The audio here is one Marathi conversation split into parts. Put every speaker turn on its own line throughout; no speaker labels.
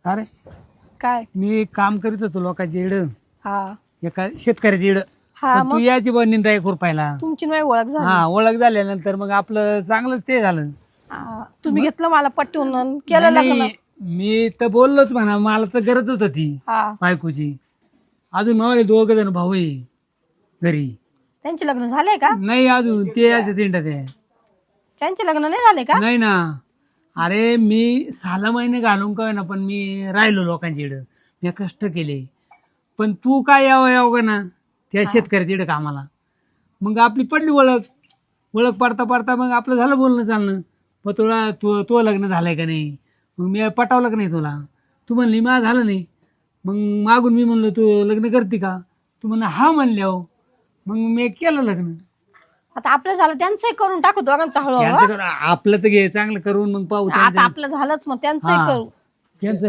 अरे
काय?
मी काम करीत होतो लोकांची इड,
हा
एका शेतकऱ्याची इड.
हा
तू
मग
याची निंदा एक रुपयाला.
तुमची नाही ओळख झाली.
हा, ओळख झाल्यानंतर मग आपलं चांगलंच ते झालं.
तुम्ही घेतलं मला पटवून आणि केलं
नाही,
लग्न.
नाही, मी तर बोललोच म्हणा, मला तर गरज होत ती
हा
बायकोची. अजून मला 2 जण भाऊ आहे घरी.
त्यांचे लग्न झाले का?
नाही अजून, ते असे तिंडत आहे.
त्यांचे लग्न नाही झाले का?
नाही ना. अरे मी 6 महिने घालून काय ना, पण मी राहिलो लोकांची इड, मी कष्ट केले. पण तू काय यावं का ना त्या शेतकऱ्याची इड कामाला. मग आपली पडली ओळख पडता पडता मग आपलं झालं बोलणं चालणं. मग तुला तो लग्न झालंय का नाही, मग मी पटावलं का नाही तुला. तू म्हणली मा झालं नाही. मग मागून मी म्हणलो तू लग्न करते का, तू म्हणलं हा म्हणल्यावर मग मी केलं लग्न.
आता आपलं झालं त्यांचंही करून टाकू दोघांचं हळूहळू.
त्यांचं करू, आपलं तर घे चांगलं करून मग पाहू
आता
त्यांचं.
आपलं झालंच मग त्यांचंही
हा.
करू.
त्यांचं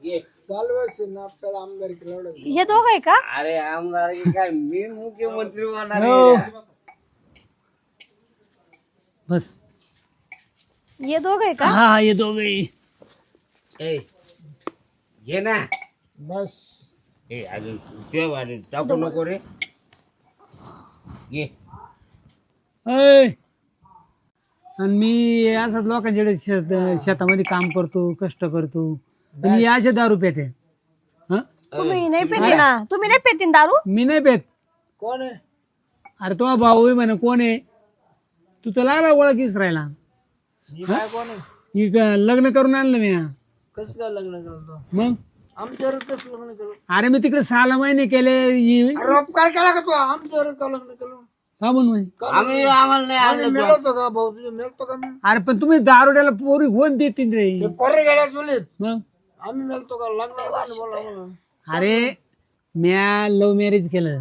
हे दोघं आहे का?
अरे आमदार की काय, मी मुख्यमंत्री होणार
हो.
आहे.
बस.
हे दोघं आहे का?
हा, हे दोघे.
ए, घे ना.
बस.
ए अजून ते वाढे टाकू नको रे. घे.
आणि मी असंच लोकांच्याकडे शेतामध्ये काम करतो, कष्ट करतो. आणि हे असे दारू पेते. हं?
तुम्ही नाही पेती ना? तुम्ही नाही पेतीन दारू?
मी नाही पेत.
कोण आहे?
अरे तो भाऊ आहे म्हणे, कोण आहे तू, तर लागला ओळखीस राहिला.
ही काय कोण आहे?
ही लग्न करून आणलं मी.
कसं काय लग्न करतो?
मग
आमच्यावर कसं लग्न केलं?
अरे मी तिकडे 6 महिने केले.
रोपकार केला का तू? आमच्यावर का लग्न केलं?
का म्हणून?
आम्ही आम्हाला नाही
आम्ही
आणलं.
मिळवतो का भाऊ? तुझे मिळतो का मी?
अरे पण तुम्ही दारुड्याला पोरी कोण देतील रे.
ते पोरे गेल्या चुलीत
मग
आम्ही मिळतो का? लग्न बोला मला.
अरे म्या लव्ह मॅरेज केलं.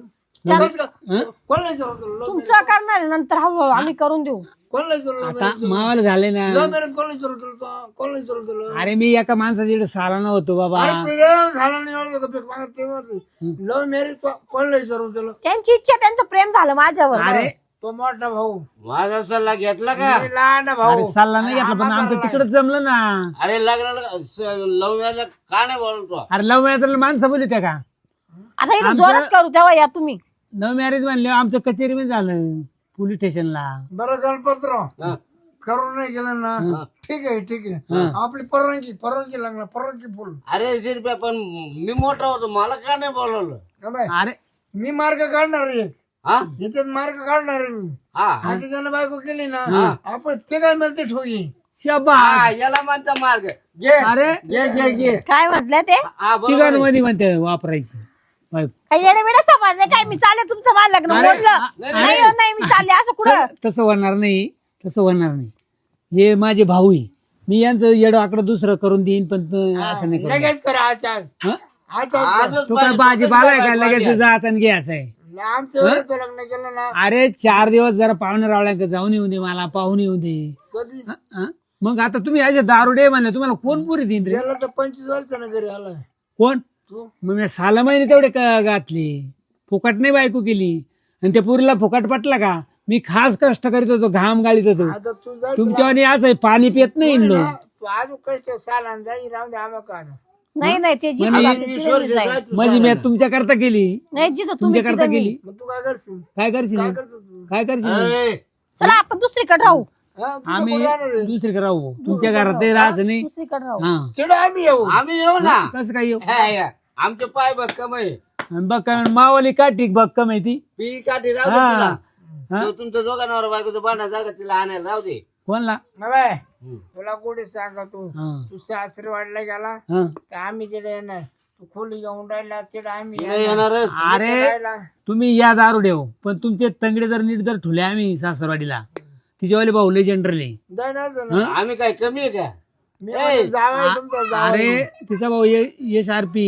कसं का? कोण नाही विचारलं तुला?
तुमचं करणार आहे, नंतर हळूहळू आम्ही करून देऊ.
कोण नाही विचारलं?
आता मावाला झाले ना.
लव्ह मॅरेज कोण नाही विचारलं तुला? कोण नाही विचारलं तुला?
अरे मी एका माणसाच्या साला नव्हतो बाबा.
अरे तुझं झालं नाही एवढं का? भीक मागत तेव्हा लव्ह मॅरेज कोण नाही विचारलं तुला?
त्यांची इच्छा, त्यांचं प्रेम झालं माझ्यावर.
अरे
तो मोठा भाऊ,
माझा सल्ला घेतला का?
मी लहान भाऊ.
अरे सल्ला नाही घेतला, पण आमचं तिकडच जमलं ना.
अरे लग्नाला लव मॅरेज का नाही बोलतो?
अरे लव्ह मॅरेज माणसं बोलली त्या का.
आता इथं जोरात करू तेव्हा या तुम्ही.
लव्ह मॅरेज म्हणले आमचं कचेरीमध्ये झालं, पोलीस स्टेशनला.
बरं गणपतराव,
हा.
करून नाही गेलं ना, ठीक आहे ठीक आहे. आपली परवानगी लागणार, परवानगी फुल.
अरे शिरप्या, पण मी मोठा होतो, मला का नाही बोलवलं?
का बाय?
अरे
मी मार्ग काढणार आहे,
हा
याच्यात मार्ग काढणार आहे मी.
हा
आता त्यानं बायको केली ना, आपण ते काय मिळते ठोगी.
शबा.
हा, याला म्हणता मार्ग. घे
अरे
घे घे घे.
काय म्हटलं ते?
हा बरोबर आहे.
ठिकाणमध्ये म्हणते वापरायची बायको.
काही येणे बिणे समजले काय? मी चालले तुमचं मला लग्न
अरे,
मोडलं. नाही हो, नाही मी चालले असं कुठं.
तसं होणार नाही, तसं होणार नाही. हे माझे भाऊ आहे, मी यांचं येडं आकडं दुसरं करून देईन, पण तू असं नाही करू.
लगेच करा आचार
हं?
आचार.
आजच
तू काय भाजीपाला आहे का लगेच जात आणि घ्यायचं आहे.
आमचं वेळेत तो लग्न केलं ना
अरे 4 दिवस जरा पाहुणे रावळ्या जाऊन येऊ दे, मला पाहून येऊ दे.
कधी
हं? मग आता तुम्ही असे दारुडे म्हणले, तुम्हाला कोण पुरी देईन रे?
गेला तर 25 वर्षानं घरी आलाय
कोण?
तू.
मग मी 6 महिने तेवढे घातले, फुकट नाही बायको केली. आणि त्या पुरीला फुकट पटला का? मी खास कष्ट करीत होतो, घाम गाळीत होतो.
आता तू जा,
तुमच्यावानी असं आहे, पाणी पित नाही इन लोक.
तू अजून कष्ट साला जाई राहून दे आम्हा का.
नाही नाही ते जिथं
म्हणजे-
जाते तिथं मी जाईन.
म्हणजे मी तुमच्या करता केली,
नाही जिथं तुम्ही
तुमच्या करता
तिथं मी.
केली.
मग तू काय करशील?
काय करशील?
काय करतो तू?
काय करशील?
ए,
चला आपण दुसरीकडे राहू.
हा, तुझं
आम्ही
कोण राहणार आहे?
दुसरीकडे राहू, तुमच्या घरात ते राहायचं नाही.
दुसरीकडे राहू.
हा,
चिडू आम्ही येऊ.
आम्ही येऊ ना.
कसं काय येऊ?
हा, या. आमचे पाय बघ कमाई.
आणि बघ काय मावाली काठी बघ का माहिती.
पी काठी राहू दे
हा.
तुला.
हा?
तो तुमच्या दोघांवर बायकोचं भांडण झालं का तिला आणायला राहू दे.
कोणला?
ना बाय,
हम्म.
तुला कुठे सांगा तू
हा,
तू सासरी वाढला गेला
हा.
तर आम्ही तिथे येणार. तू खोली घेऊन राहिला तिथे आम्ही
नाही
येणार.
येणारच.
अरे
राहिला.
तुम्ही या दारू देव, पण तुमचे तंगडे जर नीट जर ठुले आम्ही सासरवाडीला, तिच्यावाले भाऊ लय जनरली.
जाय ना जण.
आम्ही काय कमी आहे का?
मी म्हणतो जावई तुमचा जावई.
अरे तिचा भाऊ यश आरपी,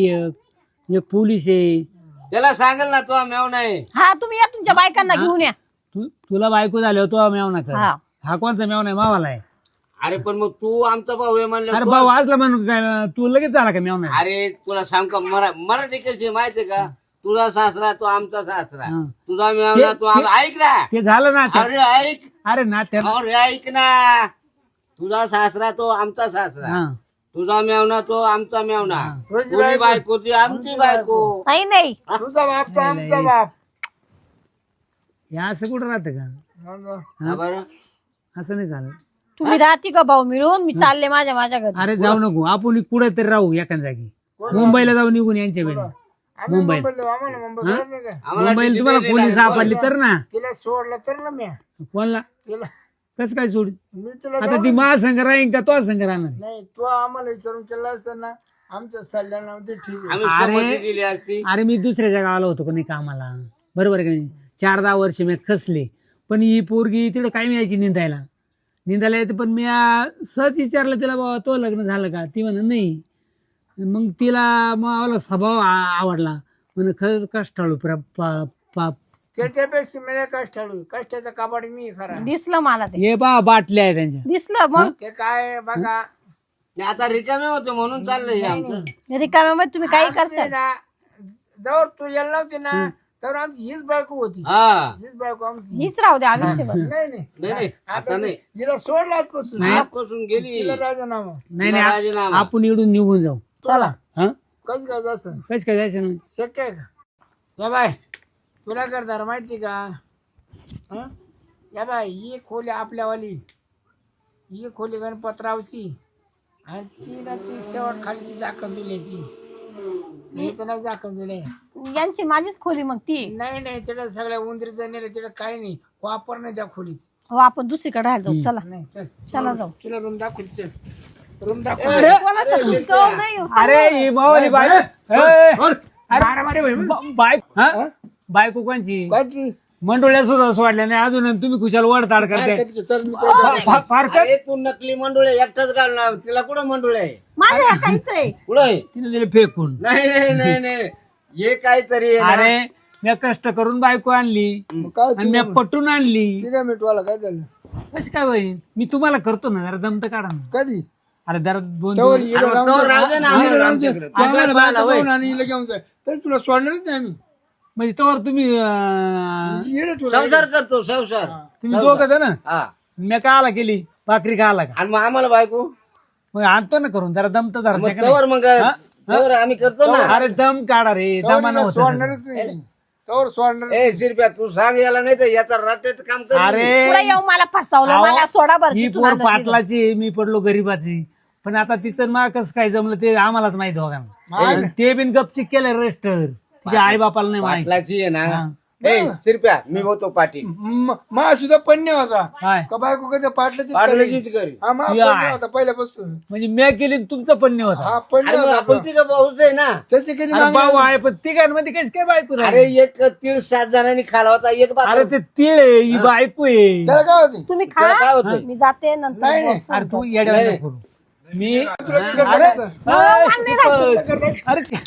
एक पोलीस आहे.
त्याला सांगेल ना तो मेव नाही.
हा तुम्ही या तुमच्या बायकांना घेऊन या.
तुला बायको झाल्यावर तो मेवना कर.
हा.
हा कोणचा मेवना आहे? मावाला आहे.
अरे पण मग तू आमचा भाऊ आहे म्हणलं
अरे
तो-
भाऊ आजला म्हणून काय तू लगेच झाला का मेवना?
अरे तुला सांग का मराठी कशी माहितीये का? तुझा सासरा तो आमचा सासरा,
हा.
तुझा मेवना तो ऐक ना.
ते झालं ना ते.
अरे ऐक,
अरे ना त्या.
अरे ऐक ना. तुझा सासरा तो आमचा सासरा,
हा.
तुझा मेवना तो आमचा मेवना,
तुझी
तुझी बायको ती आमची बायको.
नाही नाही
तुझा बाप तो आमचा बाप.
हे असं कुठं राहतं का?
हा बरं.
असं नाही चालत.
तुम्ही राहते का भाऊ मिळून मी चालले माझ्या घरी.
अरे जाऊ नको, आपण कुठे तरी राहू एका जागी. मुंबईला जाऊ निघून यांच्या वेळी.
आम्ही मुंबईला आम्हाला मुंबई गरज नाही का?
किती
मुंबईला तुम्हाला
वेळ
पोलीस
लागला?
सापडली तर ना.
तिला सोडलं तर ना मी
कोणला
तिला
कसं काय सोड?
मी तिला
आता ती महासंघ राहीन का तो संघ राहणार?
नाही तू आम्हाला विचारून केला असताना आमच्या सल्ल्यानं ते ठीक आहे.
आम्ही संमती दिली असती.
अरे मी दुसऱ्याच्या गावाला होतो का नाही कामाला, बरोबर आहे का नाही? 4-10 वर्ष मी खसले, पण ही पोरगी तिकडे काय यायची निंदायला येते. पण मी सहज विचारलं तिला, बाबा तो लग्न झालं का? ती म्हणा नाही. मग तिला मला स्वभाव आवडला, म्हणे खरंच कष्टाळू
त्याच्यापेक्षा मला कष्टाळू कष्टाचा कबाड मी खरा.
दिसलं मला ते
हे बा बाटल्या आहे त्यांच्या.
दिसलं मग
ते काय बघा
आता रिकामे होते म्हणून चाललंय हे आमचं.
रिकाम्यामध्ये तुम्ही काही करशाल.
ना जवळ तू यायला नव्हती ना तर आमची हीच बायको होती.
हा
हीच बायको आमची.
हीच राहू द्या आयुष्यभर.
नाही
नाही नाही आता नाही.
हिला सोडला आजपासून.
आजपासून गेली.
तिला राजीनामा.
नाही
तिला
नाही,
राजीनामा.
आपण इकडून निघून जाऊ.
चला
हा
कसं काय जायचं
कस काय जायचं ना?
शक्य आहे का? या बाय तुला करणार माहिती का? हं? या बाय ही खोली आपल्यावाली, ही खोली गणपतरावची आणि ती ना ती शेवट खाली ती जाकण जुल्याची. हिचं नाव जाकण जुले.
यांची माझीच खोली मग ती.
नाही नाही तिला सगळ्या उंदरीचं नेलं तिला काही नाही वापर नाही त्या खोलीत.
हो आपण दुसरीकडे राहायला जाऊ. चला
नाही चल
चला जाऊ.
तुला रूम दाखवली चल. रूम दाखव.
कोणाचं तुमचं नाही हो.
अरे ही मावली बायको. बायको बायको कोणची?
काची?
मंडोळ्या सुद्धा सोडल्या नाही अजून, तुम्ही खुशाल वडताड करते.
चल मी तुला
फार कर.
अरे तू नकली मंडुळे एकटाच घालणार, तिला कुठं मंडुळे आहे?
माझं हे काहीच आहे.
कुठं आहे?
तिने दिले फेकून.
नाही नाही नाही नाही हे काहीतरी आहे ना.
अरे मी कष्ट करून बायको आणली
काय
आणि मी पटून आणली.
तिला मिटवाला काय झालं
कशी काय होईल? मी तुम्हाला करतो ना, जरा दमत काढा ना.
कधी
अरे जरा दोन
तवर
दिवस-
हिला लावून
तवर
दे.
राहू दे ना,
हिला
आम्हाला
लावून दे.
आमच्याकडे.
आम्हाला
आम्हाला
बायका
होय.
पाहून आणि हिला घेऊन जाय तर तुला सोडणारच नाही आम्ही.
म्हणजे तोवर तुम्ही
येडे तुला
संसार करतो संसार.
तुम्ही दोघं जण
हा
मी काला केली भाकरी खाला का?
आणि मग आम्हाला बायको
मग आणतो ना करून, जरा दमत धरा
मग
सेकंद.
तवर मग तवर आम्ही करतो ना.
अरे दम काढा रे,
तवर
दमानं
हिला
होतं सगळं.
सोडणारच नाही तवर सोडणार.
ए शिरप्या तू सांग याला, नाही तर याचा रट्ट्यात काम कर.
पुढे
अरे
येऊ मला फसवलं. मला सोडा बरं
ही
तिथून
पोर
आणलं तिथं.
पाटलाची, मी पडलो गरीबाची. पण आता तिचं मा कसं काय जमलं ते आम्हालाच माहित दोघांना. आणि ते बिन गपचिक केलं रजिस्टर, तिच्या आई बापाला नाही माहित.
पाटलाची आहे ना.
हा.
ए शिरप्या मी होतो पाटील.
मा सुद्धा पन्ने होता
काय
का बायको कसं पाटल्याचीच
पाटलाचीच
करी.
करी.
हा मा
या.
पन्ने होता पहिल्यापासून.
म्हणजे मी केली तुमचं पण नाही होता.
हा पन्ने
अरे मग
होता
आपण तिघं भाऊच आहे ना.
तसे कधी
अरे
मागणार
भाऊ आहे पण तिघांमध्ये कशी काय बायको
अरे
राहिली?
एक तीळ 7 जणांनी खाला होता एक बाप.
अरे ते तिळ आहे, ही बायको आहे.
त्याला काय होते
तुम्ही
त्याला काय
खा
होतंय?
मी जाते नंतर
नाही, नाही.
फोन
अरे तू
करते.
येड्या
नाही.
नको करू. मी
तुला
अरे
करता.
अरे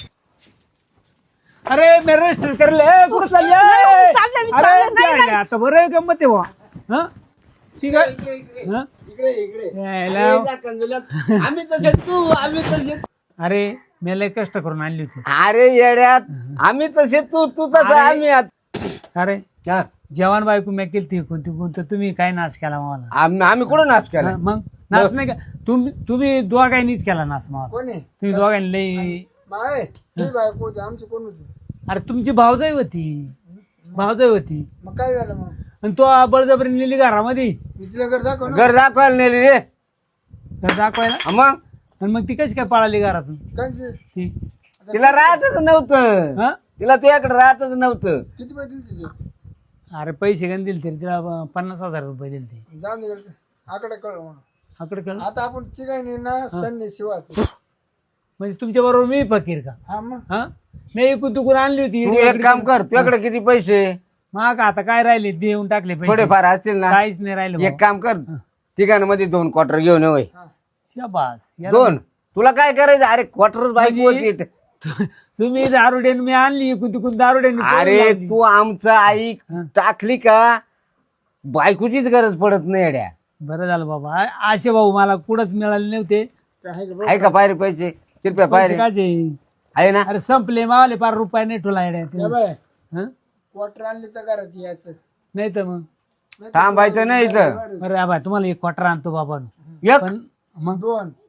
अरे मी रजिस्टर करले कुठं चालले?
चाललंय, मी
अरे
चाललंय. नाही,
काय आता बरं गंमत आहे बुवा. हं? ठीक आहे हं?
इकडे इकडे
यायला.
अरे त्या कंजुल्यात आम्ही तसे तू आम्ही तसे.
अरे मी लय कष्ट करून आणली होती.
अरे येड्यात आम्ही तसे तू तू तसं
अरे.
आम्ही
अरे
हा.
जवान बायको मी केली ती कोणती तुम्ही काय नाश केला मला?
आम्ही कुठं नाच केला?
हं, मग नाश नाही का? तुम्ही दोघांनीच केला नाश मला.
कोणी
तुम्ही दोघांनी लई.
माय ही बायको होती आमची कोण होती?
अरे तुमची भावजाई होती, भावजाई होती.
मग काय झालं मग?
आणि तो बळजबरी नेली घरामध्ये
मी तिला घर दाखव ना.
घर दाखवायला नेली रे.
घर दाखवायला.
हा मग
आणि मग ती कशी काय पळाली घरातून
कांची?
ती?
तिला राहतच नव्हतं.
हं?
तिला तुझ्याकडे राहतच नव्हतं.
किती पैसे दिले तिथे?
अरे पैसे गण दिले तरी तिला 50,000 रुपये दिले ते.
जाऊन दे आकडे कळ म्हणून.
आकडे कळ.
आता आपण तिघांनी ना सन्नी शिवाच.
म्हणजे तुमच्या बरोबर मी फकीर का?
हा मग
हा मी इकून तुकून आणली होती.
तू एक काम कर, तुझ्याकडे किती पैसे
मग आता काय राहिले देऊन टाकले पैसे.
थोडेफार असतील ना.
काहीच नाही राहिलं
एक काम कर, तिघांमध्ये 2 क्वार्टर घेऊन ये.
शाबास. याला-
2 तुला काय करायचं? अरे क्वार्टरच बायको
म्हणजे-
होती.
तुम्ही दारुडेन मी आणली इकून तिकून दारुडेन.
अरे तू आमचं आई टाकली का बायकोचीच गरज पडत नाही येड्या.
बरं झालं बाबा. आशे भाऊ मला कुठंच मिळाले नव्हते.
काय
आहे का पायरे पैसे? कृपया
पैसे
पायरे
काचे?
आहे ना.
अरे संपले मावले 5 रुपये नाही ठेवला येड्या.
बाय
हं?
क्वार्टर आणली तर घरात यायचं.
नाही तर मग
थांबायचं नाही इथं.
अरे बाबा तुम्हाला 1 क्वार्टर आणतो बाबा.
एक
पण मग
2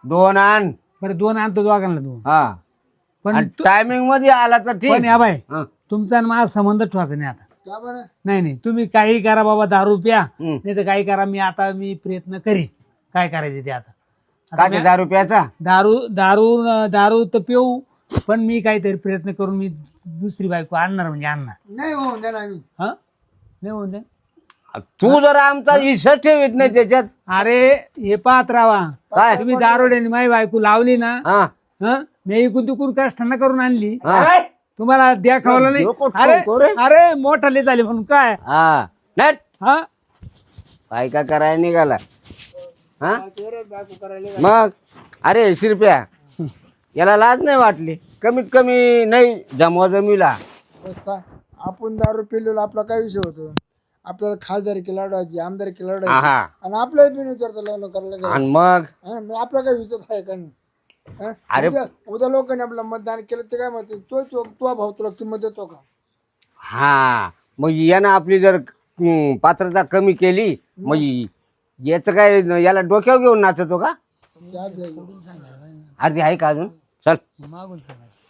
2 आण.
बरं 2 आणतो दोघांना 2.
हा
पण
टायमिंग मध्ये आला तर
पण
ठीक.
या बाय
हं.
तुमचा आणि माझा संबंध ठेवायचा नाही आता.
का बरं
नाही नाही तुम्ही काही करा बाबा, दारू प्या
हं.
नाही तर काही करा. मी प्रयत्न करीन काय करायचे ते आता.
काय ते 10 रुपयाचा?
दारू दारू दारू तर पिऊ, पण मी काहीतरी प्रयत्न करून मी दुसरी बायको आणणार म्हणजे आणणार.
नाही होऊन द्या ना आम्ही.
हा नाही होऊन दे.
तू जर आमचा हिस्सा ठेवीत नाही त्याच्यात.
अरे हे पाहत राहा,
काय?
तुम्ही दारोड्याने माझी बायको लावली ना,
हा
हं? मी इकून तिकून कष्टांना करून आणली,
हा.
तुम्हाला द्याखावलं नाही.
डोकं
अरे
ठोको रे.
अरे मोठाले झाले म्हणून काय.
हा नट
हा
काय का करायला निघाला. हा
तेरच बायको करायला
मग अरे शिरप्या, याला लाज नाही वाटली कमीत कमी नाही जमवाजमीला.
बसा. आपण दारू पिलेलो आपला काय विषय होतो. आपल्याला खासदारकी लढवायची, आमदारकी लढवायची,
आहा.
आणि आपल्याला बिन विचारता लग्न करायला गेलं.
आणि मग
हा, मग आपला काय विचार आहे का नाही. हा?
अरे.
उद्या लोकांनी आपलं मतदान केलं ते काय म्हणते, तो भाऊ तुला किंमत देतो का.
हा मग यानं आपली जर पात्रता कमी केली मग याचं काय, याला डोक्यावर घेऊन नाचतो का?
त्या द्या.
अर्धी आहे का अजून? चल
मागून सांगा.